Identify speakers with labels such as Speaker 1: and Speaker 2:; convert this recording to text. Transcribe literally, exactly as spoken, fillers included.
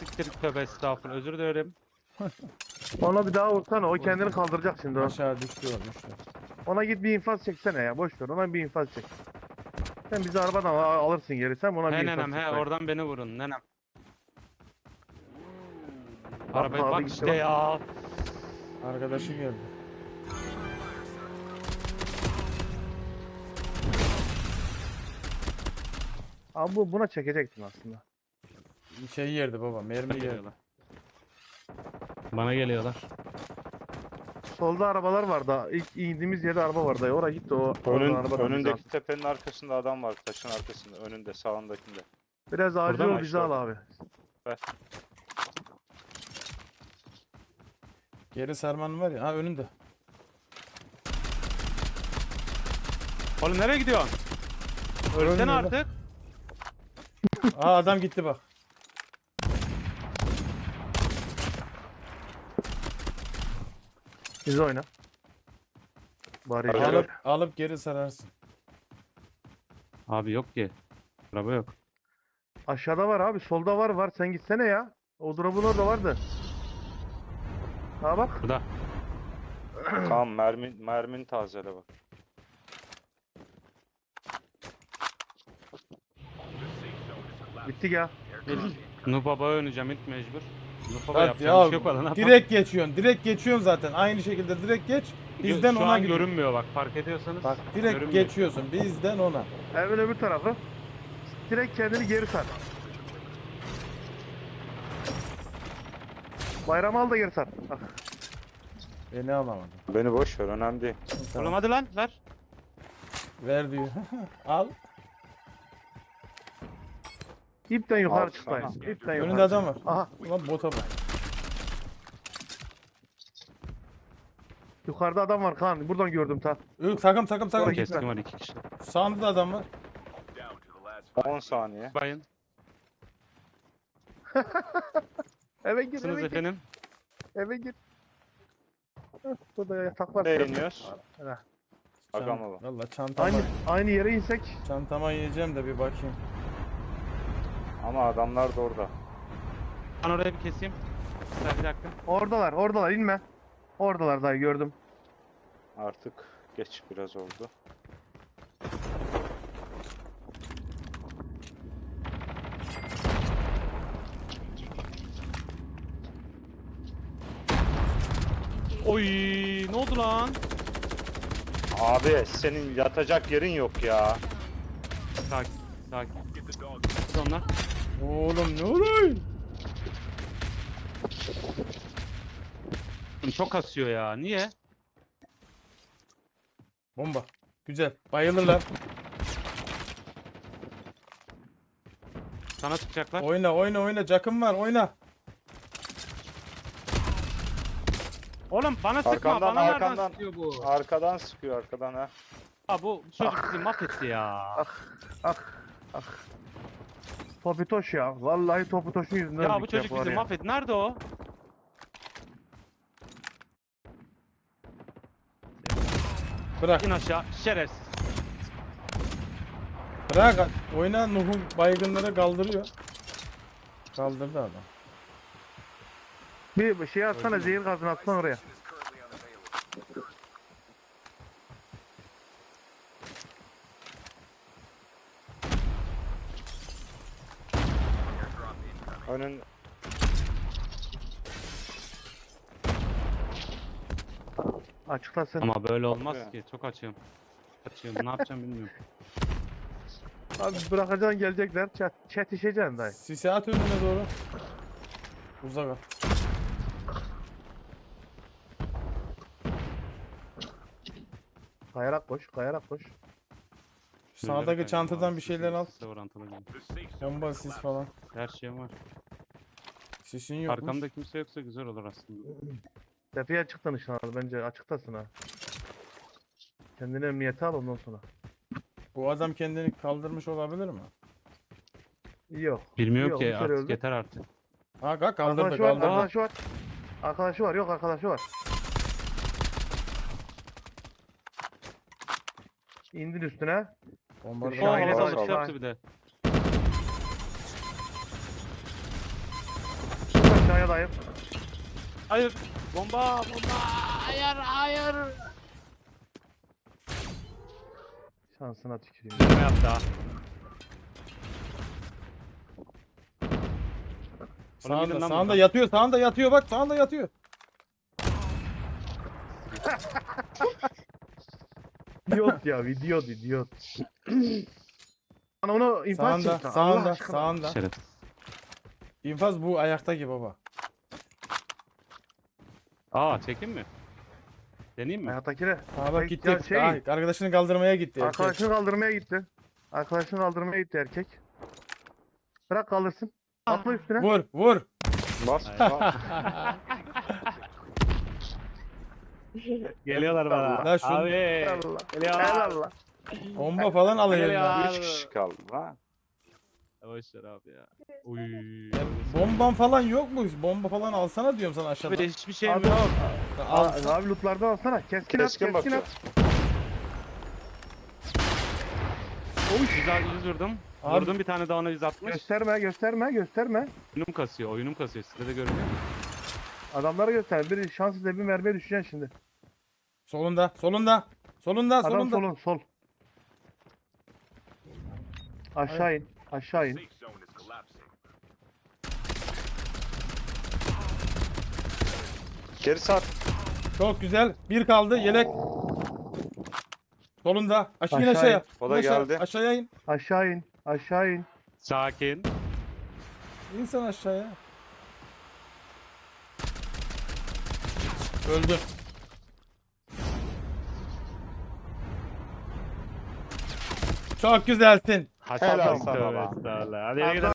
Speaker 1: siktir tövbe estağfurullah özür dilerim.
Speaker 2: Ona bir daha vursana. O kendini kaldıracak şimdi o.
Speaker 3: Aşağı düştü o düştü.
Speaker 2: Ona git bir infaz çeksene ya. Boş ver. Ona bir infaz çek. Sen bizi arabadan al- alırsın geri. Sen ona bir
Speaker 1: He
Speaker 2: infaz
Speaker 1: nenem
Speaker 2: çek.
Speaker 1: he
Speaker 2: bak.
Speaker 1: oradan beni vurun nenem.
Speaker 2: Bak
Speaker 1: Arabaya
Speaker 2: abi
Speaker 1: bak
Speaker 2: gitti
Speaker 1: işte
Speaker 2: bak.
Speaker 1: ya.
Speaker 3: Arkadaşı geldi.
Speaker 2: Abi bu buna çekecektin aslında.
Speaker 3: Şey yerdi baba, mermi
Speaker 1: Bana
Speaker 3: yerdi.
Speaker 1: geliyorlar. Bana geliyorlar.
Speaker 2: Solda arabalar vardı. İlk indiğimiz yerde araba vardı. Oraya gitti o. oradan
Speaker 4: Önün,
Speaker 2: arabadan bizi al.
Speaker 4: önündeki tepenin arkasında adam var. Taşın arkasında. Önünde, sağındakinde.
Speaker 2: Biraz acil
Speaker 1: Burada mı?
Speaker 2: ol bizi
Speaker 4: İşte
Speaker 2: al
Speaker 4: orada.
Speaker 2: abi.
Speaker 3: Geri sarman var ya, ha önünde.
Speaker 1: Oğlum nereye gidiyorsun? Ölsene
Speaker 3: Ölmüyor lan.
Speaker 1: artık.
Speaker 3: Aa adam gitti bak.
Speaker 2: Bizi oyna. Bari
Speaker 4: Abi,
Speaker 2: işe
Speaker 3: Alıp
Speaker 2: yarar.
Speaker 3: alıp geri sararsın.
Speaker 1: Abi yok ki. Araba yok.
Speaker 2: Aşağıda var abi. Solda var var. Sen gitsene ya. O drop'un orada vardı. Ha bak.
Speaker 1: Burada.
Speaker 4: Tamam, mermin, mermin tazele bak.
Speaker 2: Gittik ya.
Speaker 1: Nuh Baba'ya oynayacağım ilk mecbur. Nuh Baba
Speaker 3: Hadi
Speaker 1: yapacağım
Speaker 3: ya,
Speaker 1: bir şey yok valla ne yapalım?
Speaker 3: direkt geçiyorsun, direkt geçiyorsun zaten. Aynı şekilde direkt geç. Bizden
Speaker 1: Şu
Speaker 3: ona
Speaker 1: an
Speaker 3: gidiyor.
Speaker 1: görünmüyor bak fark ediyorsanız.
Speaker 3: Bak direkt
Speaker 1: görünmüyor.
Speaker 3: geçiyorsun, bizden ona.
Speaker 2: Evin öbür tarafı. Direkt kendini geri sar. Bayram al da geri sar. Bak.
Speaker 3: Beni alamadı.
Speaker 4: Beni boş ver, önemli değil.
Speaker 3: Tamam.
Speaker 1: Oğlum hadi lan ver.
Speaker 3: Ver diyor. Al.
Speaker 2: İpten yukarı
Speaker 4: Al
Speaker 2: çıkmayın.
Speaker 4: sana.
Speaker 2: İpten yukarı.
Speaker 3: Önünde adam var.
Speaker 2: Aha.
Speaker 3: Ulan bota bak.
Speaker 2: Yukarıda adam var Kaan. Buradan gördüm ta.
Speaker 3: Yok, takım takım takım.
Speaker 2: Oraya
Speaker 1: Keskin var iki kişi.
Speaker 3: Sağında da adam var.
Speaker 4: on saniye.
Speaker 1: Bayın.
Speaker 2: Eve gir
Speaker 1: Nasılsınız
Speaker 2: eve gir.
Speaker 1: efendim?
Speaker 2: Eve gir. Heh, burada yatak var.
Speaker 4: Nereye iniyoruz?
Speaker 2: Heh.
Speaker 4: Bakalım baba.
Speaker 3: Valla çantama,
Speaker 2: Aynı, aynı yere insek.
Speaker 3: çantama yiyeceğim de bir bakayım.
Speaker 4: Ama adamlar da orada.
Speaker 1: Ben oraya bir keseyim. Bir bir dakika.
Speaker 2: Oradalar oradalar inme. Oradalar dayı gördüm.
Speaker 4: Artık geç biraz oldu.
Speaker 1: Oy ne oldu lan?
Speaker 4: Abi senin yatacak yerin yok ya.
Speaker 1: Sakin sakin. Kız onlar.
Speaker 3: Oğlum ne oluyor?
Speaker 1: Çok kasıyor ya. Niye?
Speaker 3: Bomba. Güzel. Bayılırlar.
Speaker 1: Sana sıkacaklar.
Speaker 3: Oyna oyna oyna. Cakım var oyna.
Speaker 1: Oğlum bana sıkma.
Speaker 4: Arkandan,
Speaker 1: Bana nereden
Speaker 4: arkandan.
Speaker 1: sıkıyor bu?
Speaker 4: Arkadan sıkıyor, arkadan ha.
Speaker 1: Ha bu çocuk bizi mahvetti ya.
Speaker 2: Ah ah. Topitoş ya. Vallahi Topitoş'un yüzünden
Speaker 1: Ya bu
Speaker 2: öldük
Speaker 1: çocuk
Speaker 2: var
Speaker 1: bizi
Speaker 2: ya.
Speaker 1: mahvetti. Nerede o?
Speaker 3: Bırak.
Speaker 1: İn aşağı. Şerefsiz.
Speaker 3: Bırak. Oyna, Nuh'un baygınları kaldırıyor. Kaldırdı adam.
Speaker 2: Bir bir şey atsana zehir gazını atsana oraya.
Speaker 4: Önün
Speaker 2: Açıklasın.
Speaker 1: Ama böyle olmaz
Speaker 4: Bakıyor.
Speaker 1: ki. Çok açıyorum. Açıyorum. Ne yapacağım bilmiyorum.
Speaker 2: Abi bırakacaksın gelecekler. Çat, çetişeceksin dayı.
Speaker 3: Sisi at önüne doğru. Uzak at.
Speaker 2: Kayarak koş, kayarak koş.
Speaker 3: Sağdaki çantadan bir şeyler al.
Speaker 1: Size orantılı gelin.
Speaker 3: Bomba, sis falan.
Speaker 1: Her şeyim var.
Speaker 3: Sisin yokmuş.
Speaker 1: Arkamda kimse yoksa güzel olur aslında.
Speaker 2: Tepeye çıktın işte abi. Bence açıktasın ha. Kendini emniyete al ondan sonra.
Speaker 3: Bu adam kendini kaldırmış olabilir mi?
Speaker 2: Yok.
Speaker 1: Bilmiyorum
Speaker 2: Yok,
Speaker 1: ki
Speaker 2: bir kere
Speaker 1: artık
Speaker 2: öldü.
Speaker 1: yeter artık.
Speaker 3: Ha kalk kaldırdı
Speaker 2: Arkadaşı var,
Speaker 3: kaldırdı.
Speaker 2: arkadaşı var. Arkadaşı var, yok arkadaşı var. İndin üstüne.
Speaker 3: Bombardıman
Speaker 2: Şu an
Speaker 1: Şahine
Speaker 2: yine
Speaker 4: Sağ ol,
Speaker 1: dalış
Speaker 4: sağ ol.
Speaker 1: yaptı bir de.
Speaker 2: Aşağıdayım.
Speaker 1: Hayır. Bomba bomba. Hayır hayır.
Speaker 2: Şansına tüküreyim.
Speaker 1: Ne yaptı ha? Oğlum gidin
Speaker 3: Sağında,
Speaker 1: lan
Speaker 3: sağında
Speaker 1: buradan.
Speaker 3: yatıyor, sağında yatıyor bak, sağında yatıyor.
Speaker 2: İdiot ya, idiot, idiot. Bana onu infaz
Speaker 3: Sağında,
Speaker 2: çekti. Allah
Speaker 3: sağında,
Speaker 2: aşkına.
Speaker 3: sağında.
Speaker 1: Şeref.
Speaker 3: İnfaz bu ayaktaki baba.
Speaker 1: Aa çekeyim mi? Deneyeyim mi?
Speaker 2: Hayattakine.
Speaker 3: Ha bak
Speaker 2: Ay,
Speaker 3: gitti.
Speaker 2: ya şey-
Speaker 3: Ay, arkadaşını kaldırmaya gitti. erkek.
Speaker 2: Arkadaşını kaldırmaya gitti. Arkadaşını kaldırmaya gitti erkek. Bırak kaldırsın. Atla üstüne.
Speaker 3: Vur, vur.
Speaker 4: Bas.
Speaker 1: Geliyorlar bana.
Speaker 3: Lan şunu-
Speaker 1: Abi.
Speaker 2: Allah.
Speaker 1: Geliyorlar.
Speaker 2: Allah.
Speaker 3: Bomba falan alıyor
Speaker 1: Geliyor.
Speaker 3: elinden.
Speaker 4: Üç kişi kaldı ha.
Speaker 1: Boşver abi ya. Uy.
Speaker 3: Bomban falan yok mu? Bomba falan alsana diyorum sana aşağıda.
Speaker 1: Abi hiçbir şeyim
Speaker 2: Abi,
Speaker 1: yok.
Speaker 3: Al.
Speaker 2: Aa, abi lootlardan alsana. Keskin,
Speaker 4: Keskin
Speaker 2: at, keskin
Speaker 4: bakıyor.
Speaker 2: at.
Speaker 1: yüz, yüz vurdum.
Speaker 3: Abi-
Speaker 1: Vurdum bir tane daha ona yüz altmış.
Speaker 2: Gösterme, gösterme, gösterme.
Speaker 1: Oyunum kasıyor, oyunum kasıyor. Sizde de görünüyor mu?
Speaker 2: Adamlara göster. Bir şans izle bir mermiye düşeceksin şimdi.
Speaker 3: Solunda, solunda. Solunda,
Speaker 2: Adam
Speaker 3: solunda.
Speaker 2: solun, sol. Aşağı in, aşağı in.
Speaker 4: Geri sar.
Speaker 3: Çok güzel. Bir kaldı. Yelek. Solunda. Aşağı in
Speaker 2: Aşağı
Speaker 3: aşağıya.
Speaker 2: in.
Speaker 4: O da
Speaker 3: Aşağı-
Speaker 4: geldi.
Speaker 3: Aşağıya in.
Speaker 2: Aşağı in, aşağı in.
Speaker 1: Sakin.
Speaker 3: İn sen aşağıya. Öldü. Çok güzelsin.
Speaker 1: Hasan
Speaker 4: Helal
Speaker 1: Bey,
Speaker 4: sana
Speaker 1: tövbe
Speaker 4: lan.
Speaker 1: estağfurullah. Hadi yürü gidin.